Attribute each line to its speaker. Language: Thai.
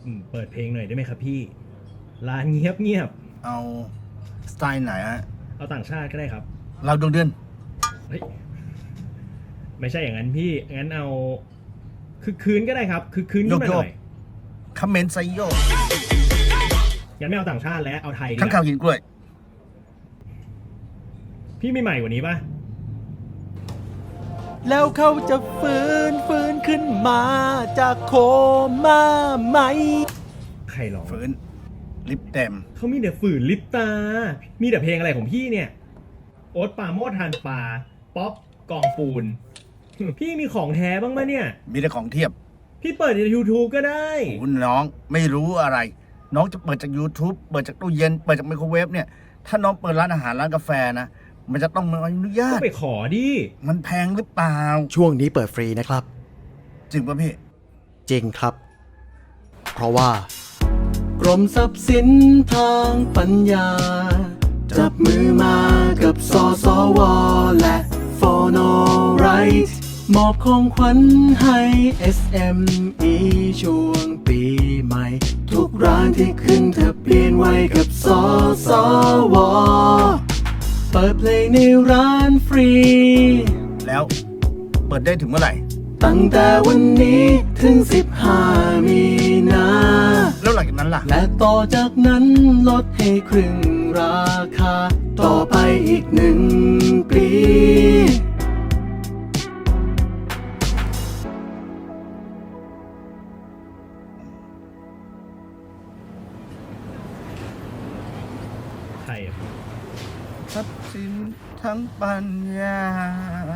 Speaker 1: เปิดเพลงหน่อยได้ไหมครับพี่ร้านเงียบเงียบ
Speaker 2: เอาสไตล์ไหนฮะ
Speaker 1: เอาต่างชาติก็ได้ครับ
Speaker 2: เราดวงเดือน
Speaker 1: เฮ้ยไม่ใช่อย่างนั้นพี่งั้นเอาคือคืนก็ได้ครับคือคืนขึ้นมาหน่อย
Speaker 2: คอมเมนต์ไซโย
Speaker 1: ยังไม่เอาต่างชาติแล้วเอาไทยดีก
Speaker 2: ข้างข่าว
Speaker 1: ว่า
Speaker 2: กินกล้วย
Speaker 1: พี่ไม่ใหม่กว่านี้ปะ
Speaker 3: แล้วเขาจะฟื้นขึ้นมาจากโคม่าไหม
Speaker 1: ใครร้อง
Speaker 2: ฝืนลิปเต็ม
Speaker 1: เขามีแต่ฝืนลิปตามีแต่เพลงอะไรของพี่เนี่ยโอ๊ตปาโมดทานปลาป๊อปกองปูนพี่มีของแท้บ้างไหมเนี่ย
Speaker 2: มีแต่ของเทียบ
Speaker 1: พี่เปิดใน YouTube ก็ได้
Speaker 2: คุณน้องไม่รู้อะไรน้องจะเปิดจาก YouTube เปิดจากตู้เย็นเปิดจากไมโครเวฟเนี่ยถ้าน้องเปิดร้านอาหารร้านกาแฟนะมันจะต้องมีอนุญาต
Speaker 1: ก็ไปขอดิ
Speaker 2: มันแพงหรือเปล่า
Speaker 3: ช่วงนี้เปิดฟรีนะครับ
Speaker 2: จริงป่ะพี่
Speaker 3: จริงครับเพราะว่ากรมทรัพย์สินทางปัญญาจับมือมากับสสวและโฟโนไรท์มอบของขวัญให้ SME ช่วงปีใหม่ทุกร้านที่ขึ้นทะเบียนไว้กับสสวเปิดเพลงในร้านฟรี
Speaker 2: แล้วเปิดได้ถึงเมื่อไหร่
Speaker 3: ตั้งแต่วันนี้ถึง15 มีนา
Speaker 2: แล้วหลังจากนั้นล่ะ
Speaker 3: และต่อจากนั้นลดให้ครึ่งราคาต่อไปอีก1 ปี
Speaker 1: ใครอ่ะ
Speaker 2: ทรัพย์สินทั้งปัญญา